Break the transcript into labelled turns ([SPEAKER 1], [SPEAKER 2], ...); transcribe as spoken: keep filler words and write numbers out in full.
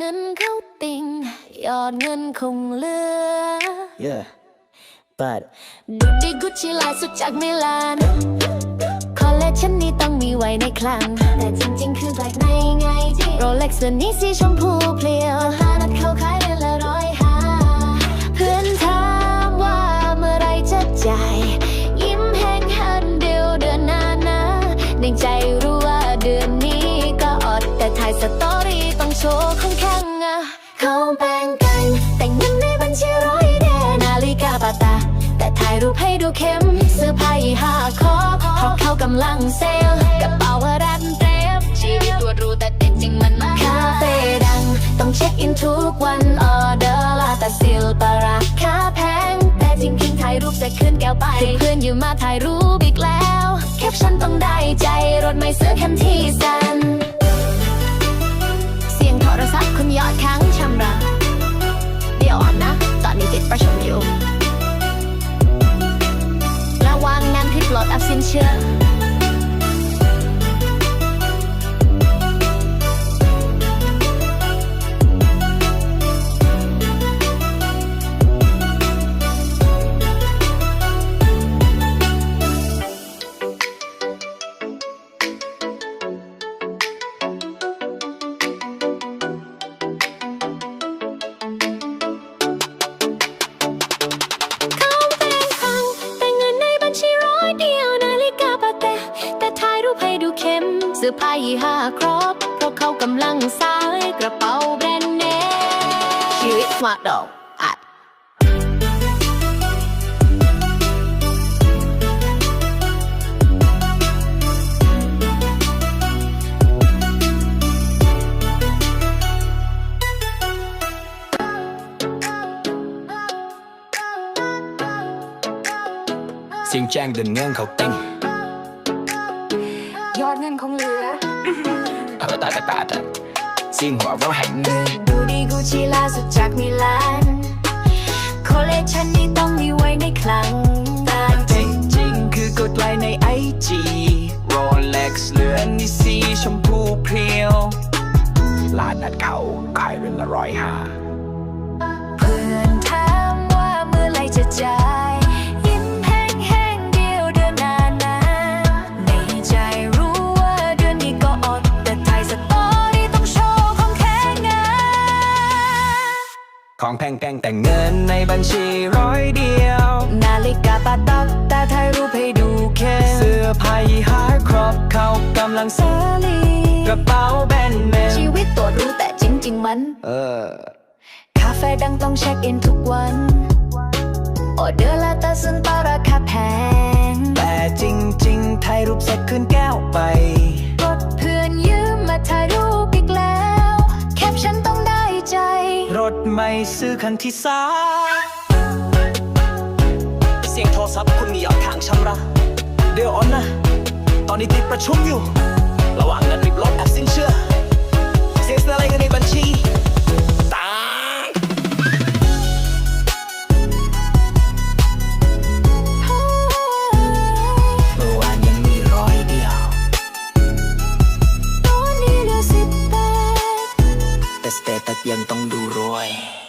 [SPEAKER 1] งินเข้าติ่งยอดเงินคงเหลือ
[SPEAKER 2] Yeah but
[SPEAKER 1] ดูดีกุชชี่ลายสุดจากมิลานคอลเลคชันนี้ต้องมีไว้ในคลังแต่จริงๆคือแบล็คในไงที่โรเล็กซ์นี้สีชมพูเพลียวตานัดเขาขายเดือนละร้อยห้าเพื่อนถามว่าเมื่อไรจะจ่ายยิ้มแห้งหันเดียวเดือนหน้านะในใจรู้ว่าเดือนนี้ก็อดแต่ถ่ายสตอรี่ต้องโชว์ของแข็งอะเขาแบ่งกันแต่เงินในบัญชีร้อยแดนาฬิกาปาตาแต่ถ่ายรูปให้ดูเข้มเสื้อผ้ายี่ห้าคอเพราะเขากำลังเซลล์กระเป๋ารัดเต็มชีวิตตัวรู้แต่จริงๆมันมาคาเฟ่ดังต้องเช็คอินทุกวันออเดอร์ลาแต่ซิลปาราคาแพงแต่จริงๆถ่ายรูปจะขึ้นแก้วไปเพื่อนอยู่มาถ่ายรูปอีกแล้วแคปชั่นต้องได้ใจรถไม่เสื้อเข้มที่สันเสียงโทรศัพท์คุณยอดค้างชำระเดี๋ยวอ่อนนะตอนนี้ติดประชุมอยู่ระวังงานผิดปลดอับสินเชื่อเสื้อผ้ายี่ห้าครบเพราะเขากำลังสายกระเป๋าแบรนด์เนมชีวิตสมาร์ทดอกอัด
[SPEAKER 2] เสียงแจ้งเดินเงื่อนเขาเต้ง
[SPEAKER 1] ยอดเงินคงเหลือ
[SPEAKER 2] เออตาตาตาตาเสียงหัวเราะแห่งเงิน
[SPEAKER 1] ดูดีกุชชี่ล่าสุดจากมิลานคอลเลคชันนี้ต้องมีไว้ในคลังแต่
[SPEAKER 2] จริงๆคือกดไลค์ในไอจีโรเล็กซ์เหลือนนี่สีชมพูเพรียวลานนัดเขาขายเรือนละร้อยห้า
[SPEAKER 1] เพื่อนถามว่าเมื่อไรจะจ่ายยิ้มแห้งแห้งเดียวเดือนหน้านะในใจรู้ว่าเดือนนี้ก็อดแต่ถ่ายสตอรี่ต้องโชว์ของแข็งอะ
[SPEAKER 2] ของแพงแพงแต่เงินในบัญชีร้อยเดียว
[SPEAKER 1] นาฬิกาปาตักแต่ถ่ายรูปให้ดูเข้ม
[SPEAKER 2] เสื้อผ้ายี่ห้าครบเขากำลังเซลีกระเป๋าแบรนด์เนม
[SPEAKER 1] ชีวิตตัวรู้แต่จริงๆมัน
[SPEAKER 2] เออ
[SPEAKER 1] คาเฟ่ดังต้องเช็คอินทุกวันออเดอร์ละแต่ซึ่งปาราคาแพง
[SPEAKER 2] แต่จริงๆถ่ายรูปเสร็จขึ้นแก้วไป
[SPEAKER 1] รถเพื่อนยืมมาถ่ายรูปอีกแล้วแคปชั่นต้องได้ใจ
[SPEAKER 2] รถไม่ซื้อคันที่สาเสียงโทรศัพท์คุณมียอดค้างชำระเดี๋ยวอ่อนนะตอนนี้ติดประชุมอยู่ระหว่างนั้นรีบลดแอปสินเชื่อเสียอะไรเงินในบัญชีตายเมื่อวานยังมีร้อยเดียว
[SPEAKER 1] ตอนนี้เหลือสิบแปด
[SPEAKER 2] แต่สเตตัสยังต้องดูรวย